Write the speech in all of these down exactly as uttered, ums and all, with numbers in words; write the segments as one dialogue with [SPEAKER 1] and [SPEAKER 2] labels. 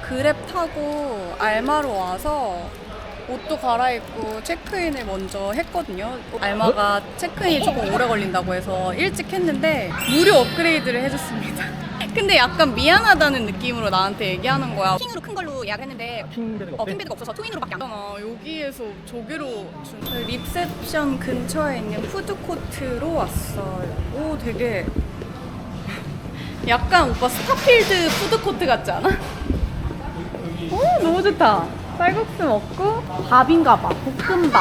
[SPEAKER 1] 그랩 타고 알마로 와서 옷도 갈아입고 체크인을 먼저 했거든요. 알마가 체크인이 조금 오래 걸린다고 해서 일찍 했는데 무료 업그레이드를 해줬습니다. 근데 약간 미안하다는 느낌으로 나한테 얘기하는 거야. 킹으로 큰 걸로 예약을 했는데
[SPEAKER 2] 킹베드가
[SPEAKER 1] 어, 킹베드가 없어서 트윈으로밖에 안 나와. 여기에서 저기로 준 리셉션 근처에 있는 푸드코트로 왔어요. 오, 되게 약간 오빠 스타필드 푸드코트 같지 않아? 오, 너무 좋다. 쌀국수 먹고 밥인가 봐. 볶음밥.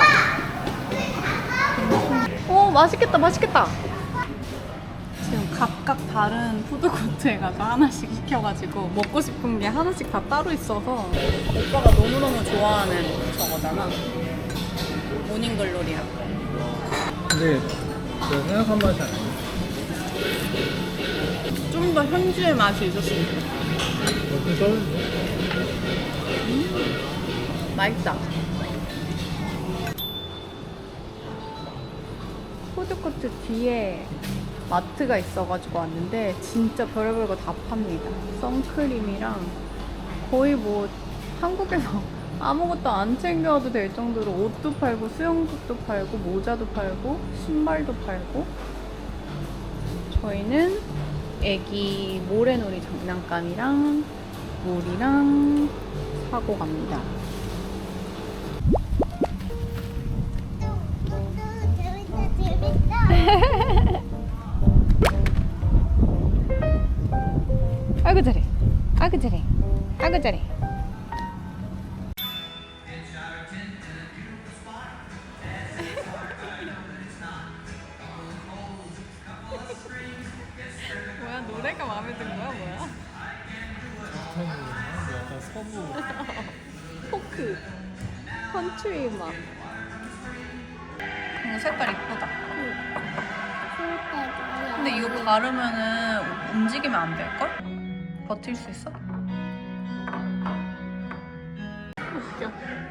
[SPEAKER 1] 오, 맛있겠다, 맛있겠다. 지금 각각 다른 푸드코트에 가서 하나씩 시켜가지고 먹고 싶은 게 하나씩 다 따로 있어서 오빠가 너무너무 좋아하는 저거잖아. 모닝글로리랑.
[SPEAKER 2] 근데 내가 생각한 맛이 아니야.
[SPEAKER 1] 좀 더 현지의 맛이 있었으면 좋겠어.
[SPEAKER 2] 어떻게 떨어지죠?
[SPEAKER 1] 맛있다. 푸드코트 뒤에 마트가 있어가지고 왔는데 진짜 별의별 거 다 팝니다. 선크림이랑 거의 뭐 한국에서 아무것도 안 챙겨와도 될 정도로 옷도 팔고 수영복도 팔고 모자도 팔고 신발도 팔고. 저희는 애기 모래놀이 장난감이랑 물이랑 사고 갑니다. 아이고 잘해, 아이고 잘해, 아이고 잘해. 뭐야, 노래가 마음에 든 거야, 뭐야?
[SPEAKER 2] 약간 서부
[SPEAKER 1] 포크, 컨트리 음악. 이거 색깔 이쁘다. 근데 이거 바르면은 움직이면 안 될걸? 버틸 수 있어? 웃겨.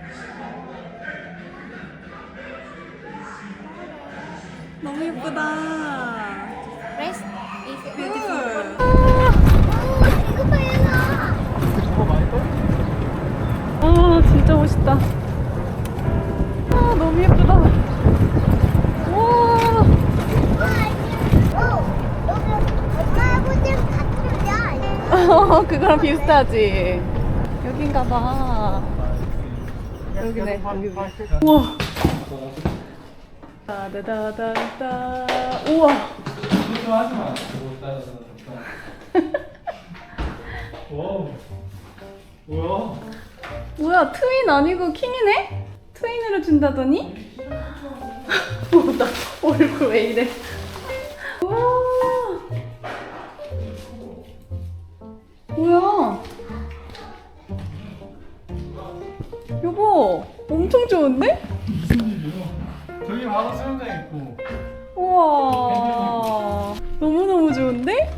[SPEAKER 1] 너무 예쁘다.
[SPEAKER 3] Rest is
[SPEAKER 1] 뷰티풀.
[SPEAKER 3] 이거 봐요.
[SPEAKER 2] 저거 많이 떨리지?
[SPEAKER 1] 아, 진짜 멋있다. 아, 너무 예쁘다. 와.
[SPEAKER 3] 오, 여기 엄마 아버지랑 같은 거야.
[SPEAKER 1] 어, 그거랑 비슷하지. 여긴가 봐. 여기네, 여기네. 우와. 다다다다다. 우와.
[SPEAKER 2] 좀 하지 마. 와. 뭐야?
[SPEAKER 1] 뭐야, 트윈 아니고 킹이네? 트윈으로 준다더니? 어, 나 얼굴 왜 이래? 우와. 뭐야? 여보, 엄청 좋은데?
[SPEAKER 2] 무슨 일이야? 저기 바로 수영장 있고.
[SPEAKER 1] 우와. 너무너무 좋은데?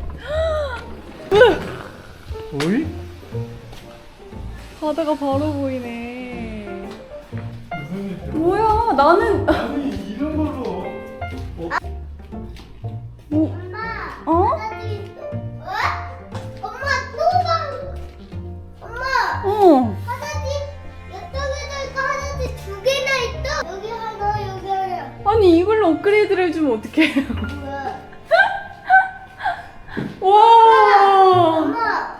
[SPEAKER 2] 오이?
[SPEAKER 1] 바다가 바로 보이네.
[SPEAKER 2] 무슨 일이야?
[SPEAKER 1] 뭐야, 나는.
[SPEAKER 2] 아니 이런 걸로. 어?
[SPEAKER 1] 뭐,
[SPEAKER 3] 엄마.
[SPEAKER 1] 어?
[SPEAKER 3] 화장실 있어. 어? 엄마 또 방. 엄마.
[SPEAKER 1] 어.
[SPEAKER 3] 화장실 이쪽에도 있고 화장실 두 개나 있어. 여기 하나 여기 하나.
[SPEAKER 1] 아니, 이걸로 업그레이드를 해주면 어떡해.
[SPEAKER 3] 뭐야?
[SPEAKER 1] 와.
[SPEAKER 3] 엄마.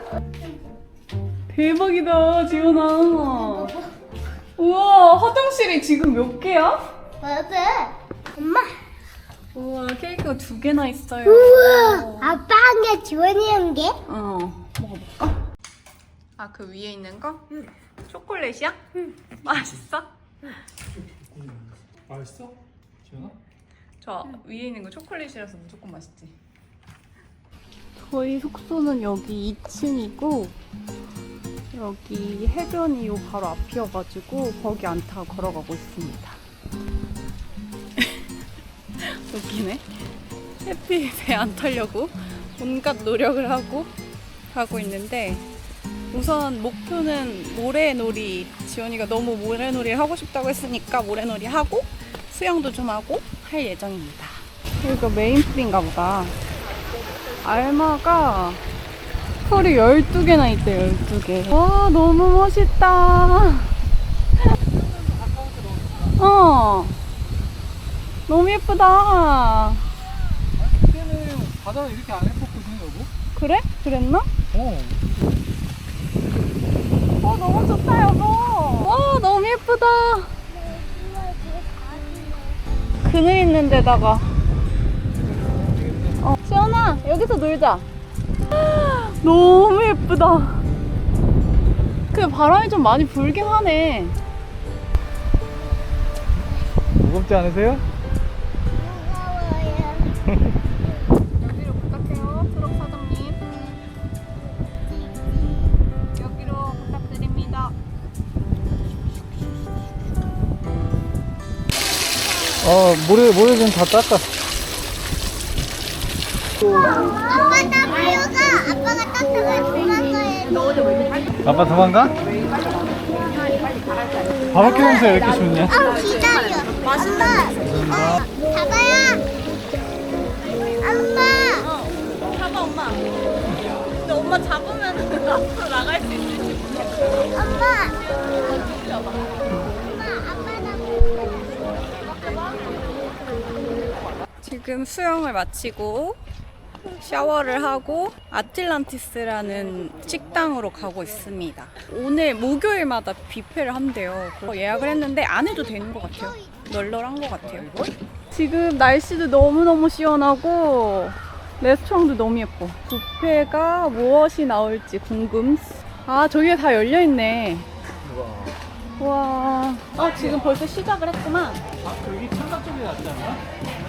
[SPEAKER 1] 대박이다, 지연아. 우와, 화장실이 지금 몇 개야?
[SPEAKER 3] 맞아. 엄마.
[SPEAKER 1] 우와, 케이크가 두 개나 있어요.
[SPEAKER 3] 우와. 아빠 한 개, 지원이 한 개.
[SPEAKER 1] 어, 먹어볼까? 아, 그 위에 있는 거?
[SPEAKER 3] 응.
[SPEAKER 1] 초콜릿이야? 응. 맛있어?
[SPEAKER 2] 맛있어? 지연아?
[SPEAKER 1] 저 위에 있는 거 초콜릿이라서 무조건 맛있지. 저희 숙소는 여기 이 층이고 여기 해변이 요 바로 앞이어가지고 거기 안 타고 걸어가고 있습니다. 웃기네. 햇빛에 안 타려고 온갖 노력을 하고 가고 있는데 우선 목표는 모래놀이. 지원이가 너무 모래놀이를 하고 싶다고 했으니까 모래놀이 하고 수영도 좀 하고 할 예정입니다. 여기가 메인 풀인가 보다. 알마가 털이 열두 개나 있대, 열두 개. 와, 너무 멋있다. 어. 너무 예쁘다.
[SPEAKER 2] 그때는 바다는 이렇게 안 예뻤거든, 여보?
[SPEAKER 1] 그래? 그랬나?
[SPEAKER 2] 어.
[SPEAKER 1] 어, 너무 좋다, 여보. 와, 너무 예쁘다. 그늘 있는 데다가. 어, 시연아, 여기서 놀자. 너무 예쁘다. 그 바람이 좀 많이 불긴 하네.
[SPEAKER 2] 무겁지 않으세요?
[SPEAKER 1] 여기로 부탁해요, 트럭 사장님. 여기로 부탁드립니다.
[SPEAKER 2] 어, 모래, 모래 좀 다 닦아.
[SPEAKER 3] 아빠 나 비어가. 아빠가 땄다가 도망가야
[SPEAKER 2] 아빠 도망가? 바바큐 냄새 왜 이렇게 좋냐?
[SPEAKER 3] 아 기다려. 엄마. 어, 잡아야. 엄마.
[SPEAKER 1] 잡아, 엄마. 근데 엄마 잡으면 앞으로 나갈 수 있을지 모르겠어.
[SPEAKER 3] 엄마. 엄마 아빠 나.
[SPEAKER 1] 지금 수영을 마치고 샤워를 하고 아틀란티스라는 식당으로 가고 있습니다. 오늘 목요일마다 뷔페를 한대요. 그래서 예약을 했는데 안 해도 되는 것 같아요. 널널한 것 같아요. 지금 날씨도 너무너무 시원하고 레스토랑도 너무 예뻐. 뷔페가 무엇이 나올지 궁금. 아, 저기에 다 열려있네. 와. 아, 지금 벌써 시작을 했구만.
[SPEAKER 2] 아, 여기 창가 쪽이 낫지 않나?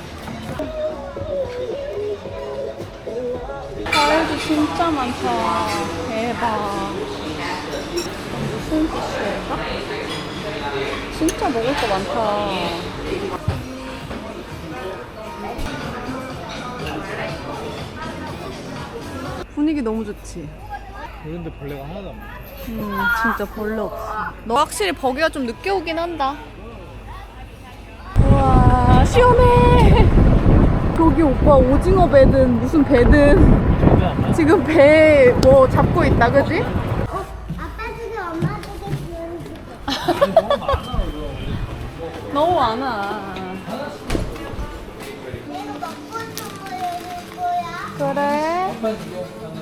[SPEAKER 1] 과일도 진짜 많다. 대박. 무슨 피쉬일까? 진짜 먹을 거 많다. 분위기 너무 좋지?
[SPEAKER 2] 이런데 벌레가 하나도 안 보여.
[SPEAKER 1] 음, 진짜 벌레 없어. 너 확실히 버기가 좀 늦게 오긴 한다. 우와, 시원해. 저기 오빠 오징어 배든 무슨 배든
[SPEAKER 2] 저기 안 나?
[SPEAKER 1] 지금 배 뭐 잡고 있다, 그지?
[SPEAKER 3] 어, 아빠 지금 엄마 되게 귀여운
[SPEAKER 2] 아니, 너무 많아, 이거.
[SPEAKER 1] 너무 많아.
[SPEAKER 3] 내가 먹고 있는 거 여기 거야.
[SPEAKER 1] 그래?
[SPEAKER 2] 아빠 이거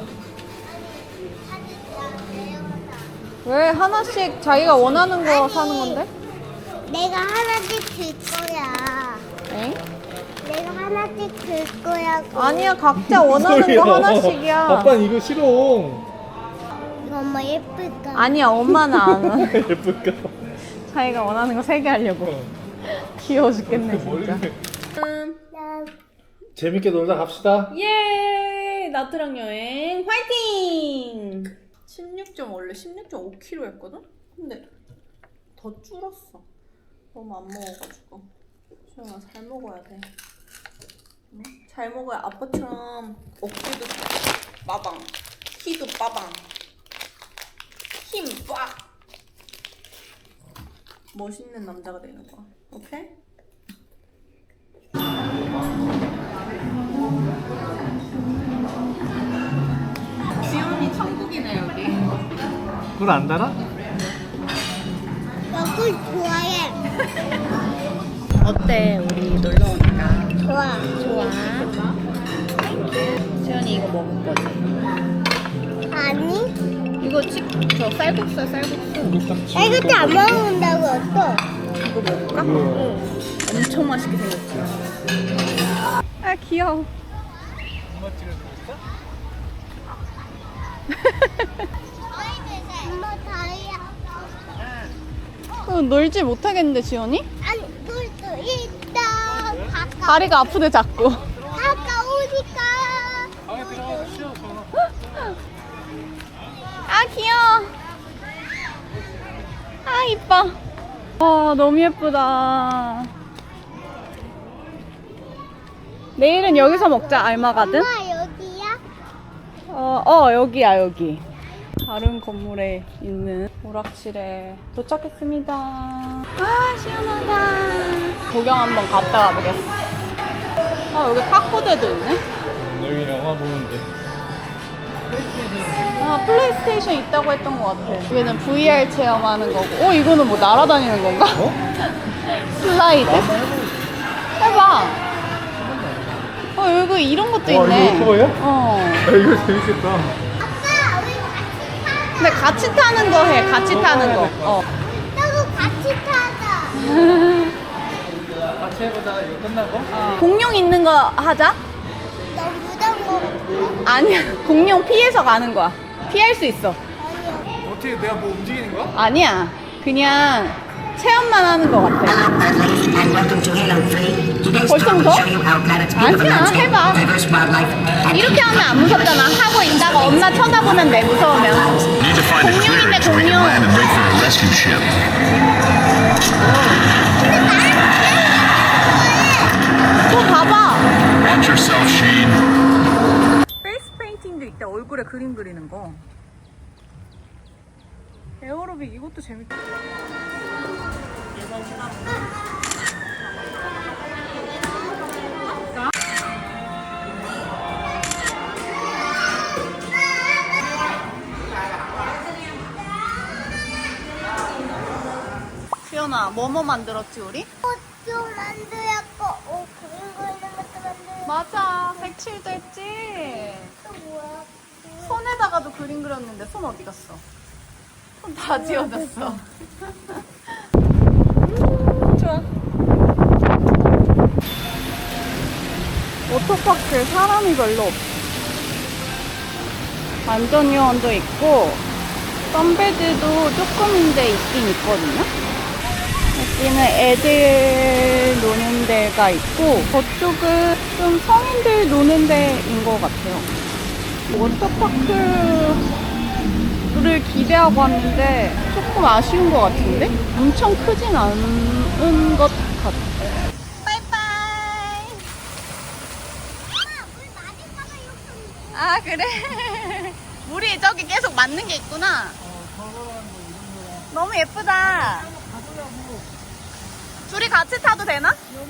[SPEAKER 1] 왜 하나씩 자기가 원하는 거 사는 건데?
[SPEAKER 3] 내가 하나씩 줄 거야.
[SPEAKER 1] 엥?
[SPEAKER 3] 내가 하나씩 줄 거야.
[SPEAKER 1] 아니야, 각자 원하는 거 하나씩이야.
[SPEAKER 2] 아빠는 이거 싫어.
[SPEAKER 3] 이거 엄마 예쁠까?
[SPEAKER 1] 아니야, 엄마는 안 와.
[SPEAKER 2] 예쁠까?
[SPEAKER 1] 자기가 원하는 거 세 개 하려고. 귀여워 죽겠네, 진짜.
[SPEAKER 2] 머리를.
[SPEAKER 3] 나
[SPEAKER 2] 재밌게 놀다 갑시다.
[SPEAKER 1] 예! 나트랑 여행 화이팅! 십육 점 원래 십육 점 오 킬로그램 했거든? 근데 더 줄었어. 너무 안 먹어가지고. 수영아, 잘 먹어야 돼. 응? 잘 먹어야 아빠처럼 어깨도 빠방, 키도 빠방, 힘 빡! 멋있는 남자가 되는 거야. 오케이? 지훈이 천국이네, 여기.
[SPEAKER 2] 불 안 달아?
[SPEAKER 3] 너굴 좋아해.
[SPEAKER 1] 어때, 우리 놀러 오니까?
[SPEAKER 3] 좋아.
[SPEAKER 1] 좋아. 지훈이 이거 먹을 거지?
[SPEAKER 3] 아니?
[SPEAKER 1] 이거 치, 저 쌀국수야, 쌀국수.
[SPEAKER 3] 나 이것도 안 먹는다고 했어.
[SPEAKER 1] 이거 먹을까?
[SPEAKER 3] 응.
[SPEAKER 1] 엄청 맛있게 생겼지? 아, 귀여워.
[SPEAKER 2] 엄마 찍어주고
[SPEAKER 3] 엄마 다리야.
[SPEAKER 1] 어, 놀지 못하겠는데, 지훈이?
[SPEAKER 3] 아니, 놀수 있다. 가까,
[SPEAKER 1] 다리가 아프대, 자꾸.
[SPEAKER 3] 가까우니까.
[SPEAKER 2] 방에 들어가서 쉬어, 전화.
[SPEAKER 1] 아, 귀여워. 아, 이뻐. 와, 너무 예쁘다. 내일은 여기서 먹자, 알마가든.
[SPEAKER 3] 엄마 여기야?
[SPEAKER 1] 어, 어, 여기야, 여기. 다른 건물에 있는 오락실에 도착했습니다. 아, 시원하다. 구경 한번 갔다 와보겠어. 아, 여기 탁구대도 있네?
[SPEAKER 2] 여기 영화 보는데.
[SPEAKER 1] 아, 플레이스테이션 있다고 했던 것 같아. 여기는 브이알 체험하는 거고. 어, 이거는 뭐 날아다니는 건가?
[SPEAKER 2] 어?
[SPEAKER 1] 슬라이드?
[SPEAKER 2] 한번 해보고
[SPEAKER 1] 해봐. 어, 여기 이런 것도
[SPEAKER 2] 와,
[SPEAKER 1] 있네.
[SPEAKER 2] 이거 오토바이야?
[SPEAKER 1] 어.
[SPEAKER 2] 아, 이거 재밌겠다.
[SPEAKER 3] 아빠 우리 같이
[SPEAKER 1] 근데 같이 타는 거 해. 같이 타는 거. 어.
[SPEAKER 3] 타자. 나도 같이 타자.
[SPEAKER 2] 같이 해보자. 이거 끝나고.
[SPEAKER 1] 공룡 있는 거 하자.
[SPEAKER 3] 너 무덤 먹을래?
[SPEAKER 1] 아니야. 공룡 피해서 가는 거야. 피할 수 있어.
[SPEAKER 3] 아니야.
[SPEAKER 2] 어떻게 내가 뭐 움직이는 거야?
[SPEAKER 1] 아니야. 그냥 체험만 하는 거 같아.
[SPEAKER 4] Hello, Earthlings, and welcome to Halo three. Today's
[SPEAKER 1] 벌써
[SPEAKER 4] talk will
[SPEAKER 1] 무서워?
[SPEAKER 4] show you how planets beautiful
[SPEAKER 1] 아니야,
[SPEAKER 4] landscape,
[SPEAKER 1] 해봐.
[SPEAKER 4] diverse wildlife, and
[SPEAKER 1] 이렇게 하면 안 무섭잖아. 하고 있다가 엄마 쳐다보면 돼, 무서우면.
[SPEAKER 5] Need to find a
[SPEAKER 1] 공룡인데,
[SPEAKER 5] clearing so we can
[SPEAKER 1] 공룡.
[SPEAKER 5] land and wait for a rescue ship.
[SPEAKER 1] 또 봐봐.
[SPEAKER 5] Watch yourself, Shane.
[SPEAKER 1] 페이스 페인팅도 있다. 얼굴에 그림 그리는 거. 에어로빅 이것도 재밌다. 수연아, 뭐뭐 만들었지 우리?
[SPEAKER 3] 꽃도 만들었고, 어 그림 그리는 것도 만들었고.
[SPEAKER 1] 맞아, 색칠도 했지.
[SPEAKER 3] 또 뭐야?
[SPEAKER 1] 손에다가도 그림 그렸는데 손 어디 갔어? 손 다 지워졌어. 좋아. 워터파크에 사람이 별로 없어. 안전요원도 있고 선베드도 조금인데 있긴 있거든요. 여기는 애들 노는 데가 있고 저쪽은 좀 성인들 노는 데인 것 같아요. 워터파크를 기대하고 왔는데 조금 아쉬운 것 같은데? 엄청 크진 않은 것 같아. 바이바이.
[SPEAKER 3] 엄마, 물 맞을까봐 이렇게.
[SPEAKER 1] 아 그래? 물이 저기 계속 맞는 게 있구나. 너무 예쁘다. 둘이 같이 타도 되나?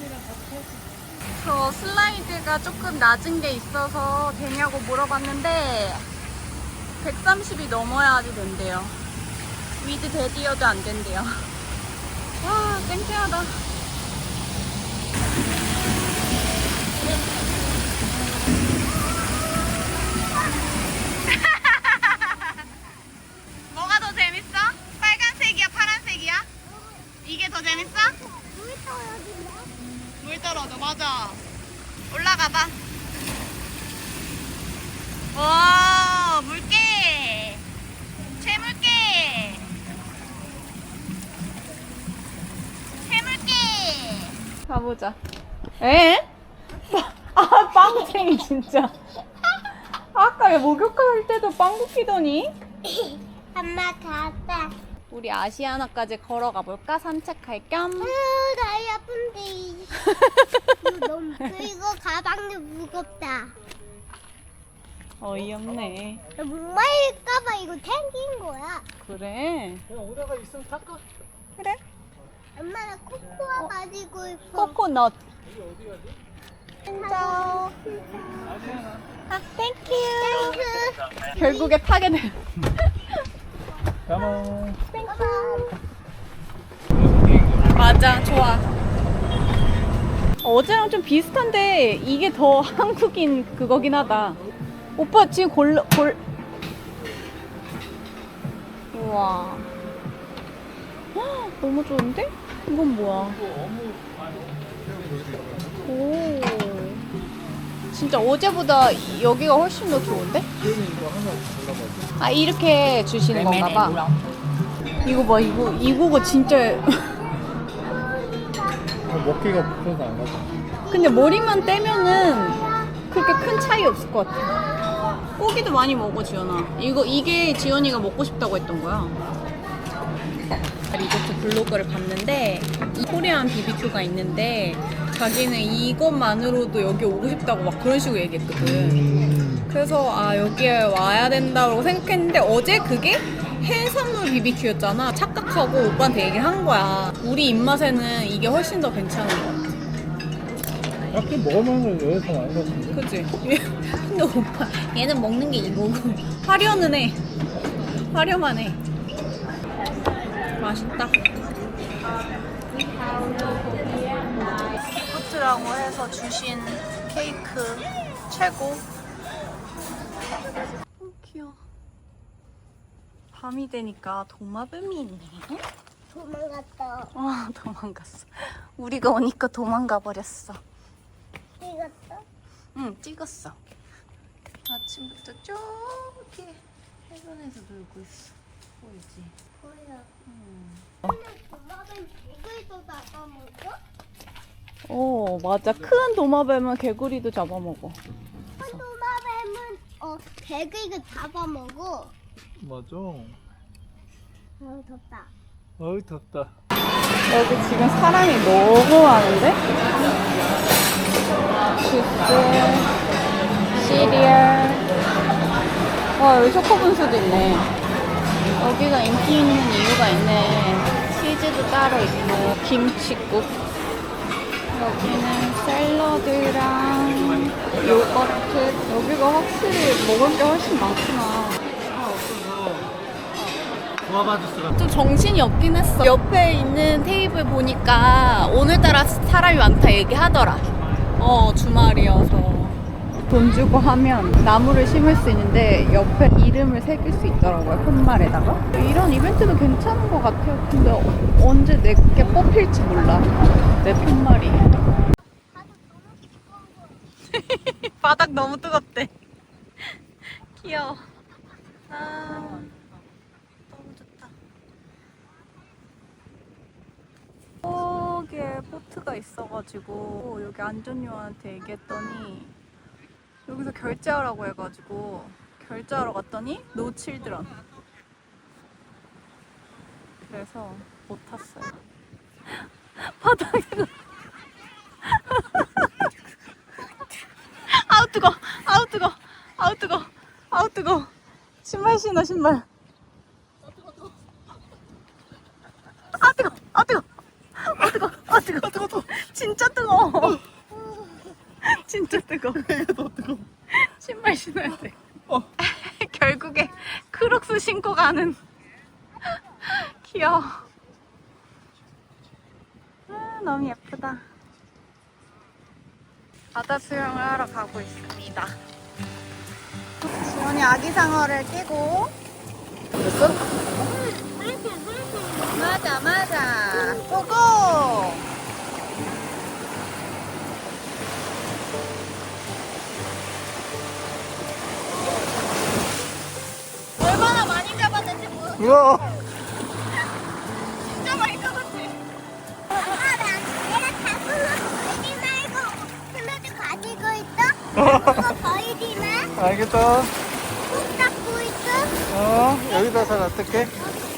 [SPEAKER 1] 저 슬라이드가 조금 낮은 게 있어서 되냐고 물어봤는데 백삼십이 넘어야지 된대요. 위드 대디어도 안 된대요. 와 쨍쨍하다. 뭐가 더 재밌어? 빨간색이야 파란색이야? 이게 더 재밌어?
[SPEAKER 3] 물 떨어진다.
[SPEAKER 1] 물 떨어져, 맞아. 올라가 봐. 와, 물개. 채물개. 채물개. 가보자. 에? 아, 빵쟁이 진짜. 아까 왜 목욕할 때도 빵 굽히더니?
[SPEAKER 3] 엄마 갔다.
[SPEAKER 1] 우리 아시아나까지 걸어가 볼까? 산책할 겸.
[SPEAKER 3] 아유, 다리 아픈데. 이거 너무 그리고 가방도 무겁다.
[SPEAKER 1] 어이없네.
[SPEAKER 3] 나 목마를까봐 이거 챙긴 거야.
[SPEAKER 1] 그래.
[SPEAKER 2] 그냥 오다가 있으면 탈까?
[SPEAKER 1] 그래.
[SPEAKER 3] 엄마 나 코코아 가지고 있어.
[SPEAKER 1] 코코넛.
[SPEAKER 2] 어디 가지?
[SPEAKER 1] 짜오. 아, 땡큐.
[SPEAKER 3] 땡큐.
[SPEAKER 1] 결국에 타게 돼.
[SPEAKER 2] 가만.
[SPEAKER 1] 맞아, 좋아. 어제랑 좀 비슷한데 이게 더 한국인 그거긴 하다. 오빠 지금 골, 골. 우와. 헉, 너무 좋은데? 이건 뭐야? 오. 진짜 어제보다 여기가 훨씬 더 좋은데? 아, 이렇게 주시는 건가 봐. 이거 봐, 이거, 이거가 진짜.
[SPEAKER 2] 어, 먹기가 불편해서 안 가자.
[SPEAKER 1] 근데 머리만 떼면은 그렇게 큰 차이 없을 것 같아. 고기도 많이 먹어, 지연아. 이거, 이게 지연이가 먹고 싶다고 했던 거야. 리조트 블로그를 봤는데 이 코리안 비비큐가 있는데 자기는 이것만으로도 여기 오고 싶다고 막 그런 식으로 얘기했거든. 그래서 아 여기에 와야 된다고 생각했는데 어제 그게 해산물 비비큐였잖아. 착각하고 오빠한테 얘기를 한 거야. 우리 입맛에는 이게 훨씬 더 괜찮은 것 같아.
[SPEAKER 2] 밖에 먹으면 여기서 많은 것 같은데.
[SPEAKER 1] 그치? 근데 오빠 얘는 먹는 게 이거고 화려는 해. 화려만 해. 맛있다. 기프트라고 해서 주신 케이크 최고. 어, 귀여워. 밤이 되니까 도마뱀이 있네.
[SPEAKER 3] 도망갔다.
[SPEAKER 1] 아, 도망갔어. 우리가 오니까 도망가 버렸어.
[SPEAKER 3] 찍었어?
[SPEAKER 1] 응, 찍었어. 아침부터 저기 해변에서 놀고 있어. 보이지?
[SPEAKER 3] 보여.
[SPEAKER 1] 음.
[SPEAKER 3] 근데 도마뱀 개구리도 잡아먹어?
[SPEAKER 1] 오, 맞아. 큰 도마뱀은 개구리도 잡아먹어.
[SPEAKER 3] 큰 도마뱀은 어 개구리가 잡아먹어.
[SPEAKER 2] 맞아.
[SPEAKER 3] 어 덥다.
[SPEAKER 2] 어이 덥다.
[SPEAKER 1] 여기 지금 사람이 너무 많은데? 주스, 시리얼. 와, 여기 초코분수도 있네. 여기가 인기 있는 이유가 있네. 치즈도 따로 있고, 김치국. 여기는 샐러드랑 요거트. 여기가 확실히 먹을 게 훨씬 많구나.
[SPEAKER 2] 구아바 주스가.
[SPEAKER 1] 좀 정신이 없긴 했어. 옆에 있는 테이블 보니까 오늘따라 사람이 많다 얘기하더라. 어, 주말이어서. 돈 주고 하면 나무를 심을 수 있는데 옆에 이름을 새길 수 있더라고요. 푯말에다가. 이런 이벤트도 괜찮은 것 같아요. 근데 언제 내게 뽑힐지 몰라. 내 푯말이. 바닥 너무 뜨겁대. 귀여워. 아. 여기에 포트가 있어가지고 여기 안전요원한테 얘기했더니 여기서 결제하라고 해가지고 결제하러 갔더니 노 칠드런. 그래서 못 탔어요. 바닥에 아우 뜨거, 아우 뜨거, 아우 뜨거, 아우 뜨거. 신발 신어 신발. 아 뜨거, 아 뜨거. 아 뜨거, 아 뜨거, 뜨거, 뜨거. 진짜 뜨거. 진짜 뜨거.
[SPEAKER 2] 이거 더 뜨거.
[SPEAKER 1] 신발 신어야 돼.
[SPEAKER 2] 어.
[SPEAKER 1] 결국에 크록스 신고 가는. 귀여워. 아, 너무 예쁘다. 바다 수영을 하러 가고 있습니다. 지원이 아기 상어를 끼고. 됐어? 맞아 맞아 고고. 얼마나 많이 잡았는지 모르.
[SPEAKER 2] 우와.
[SPEAKER 1] 진짜 많이 잡았지.
[SPEAKER 3] 아빠 나 얘가 자꾸 보이지 말고 플러드 가지고 있어? 그거 보이지 마.
[SPEAKER 2] 알겠다.
[SPEAKER 3] 꼭 잡고 있어.
[SPEAKER 2] 어 여기다가 놔둘게.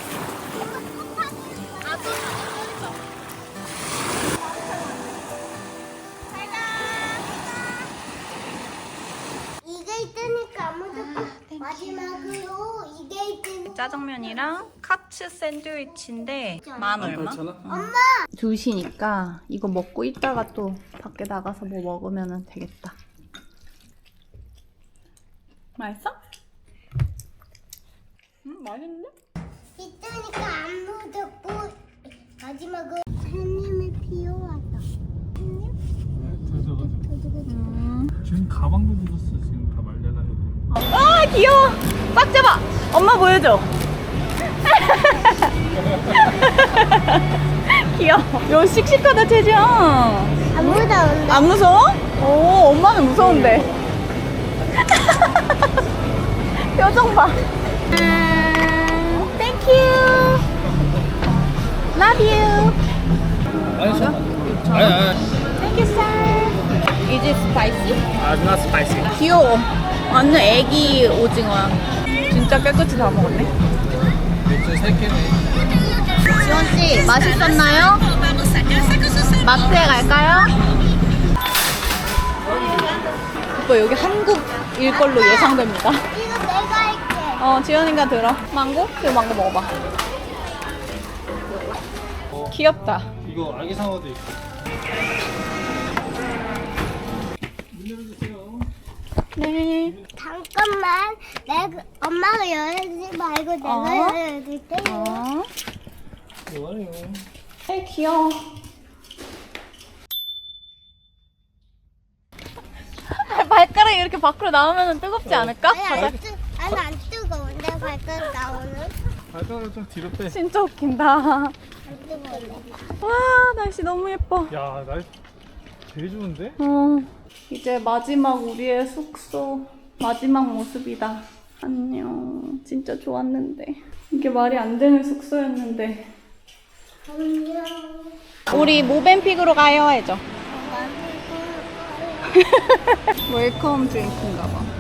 [SPEAKER 3] 이게 있으니까 아무도 마지막으로 이게 있으니까
[SPEAKER 1] 짜장면이랑 카츠 샌드위치인데 만 얼마?
[SPEAKER 3] 엄마
[SPEAKER 1] 두 시니까 이거 먹고 있다가 또 밖에 나가서 뭐 먹으면 되겠다. 맛있어? 음, 맛있는데?
[SPEAKER 3] 있으니까 아무도 못 마지막으로 햇님이 비워왔다. 햇님?
[SPEAKER 1] 음.
[SPEAKER 2] 지금 가방도 묻었어. 지금 다 말려가지고.
[SPEAKER 1] 아 귀여워. 꽉 잡아. 엄마 보여줘. 귀여워. 요 씩씩하다 채지야.
[SPEAKER 3] 안 무서운데?
[SPEAKER 1] 안 무서워? 오, 엄마는 무서운데. 표정 봐. Thank you. Love you.
[SPEAKER 2] 아니 저. 아니 아니.
[SPEAKER 1] Thank you, sir. Is it spicy?
[SPEAKER 2] 아, not spicy.
[SPEAKER 1] 귀여워. 완전 애기 오징어야. 진짜 깨끗이 다 먹었네.
[SPEAKER 2] 맥주 세 개네.
[SPEAKER 1] 지원씨, 맛있었나요? 마트에 갈까요? 오빠 여기 한국일 걸로 예상됩니다.
[SPEAKER 3] 이거 내가 할게.
[SPEAKER 1] 어, 지원이가 들어. 망고? 그 망고 먹어봐. 귀엽다.
[SPEAKER 2] 이거 아기 상어도 있고.
[SPEAKER 1] 네.
[SPEAKER 3] 잠깐만. 내가 엄마가 열지 말고 내가
[SPEAKER 1] 어?
[SPEAKER 3] 열어줄게.
[SPEAKER 1] 어.
[SPEAKER 2] 좋아요.
[SPEAKER 1] 에 귀여워. 발가락이 이렇게 밖으로 나오면 뜨겁지 않을까?
[SPEAKER 3] 아니 안 뜨, 아니 안 뜨거운데 발가락 나오는?
[SPEAKER 2] 발가락을 좀 뒤로 빼.
[SPEAKER 1] 진짜 웃긴다.
[SPEAKER 3] 안 뜨거운데.
[SPEAKER 1] 와 날씨 너무 예뻐.
[SPEAKER 2] 야, 날 되게 좋은데?
[SPEAKER 1] 어, 이제 마지막 우리의 숙소 마지막 모습이다. 안녕. 진짜 좋았는데 이게 말이 안 되는 숙소였는데.
[SPEAKER 3] 안녕.
[SPEAKER 1] 우리 모벤픽으로 가요 해줘. 웰컴 드링크인가 봐.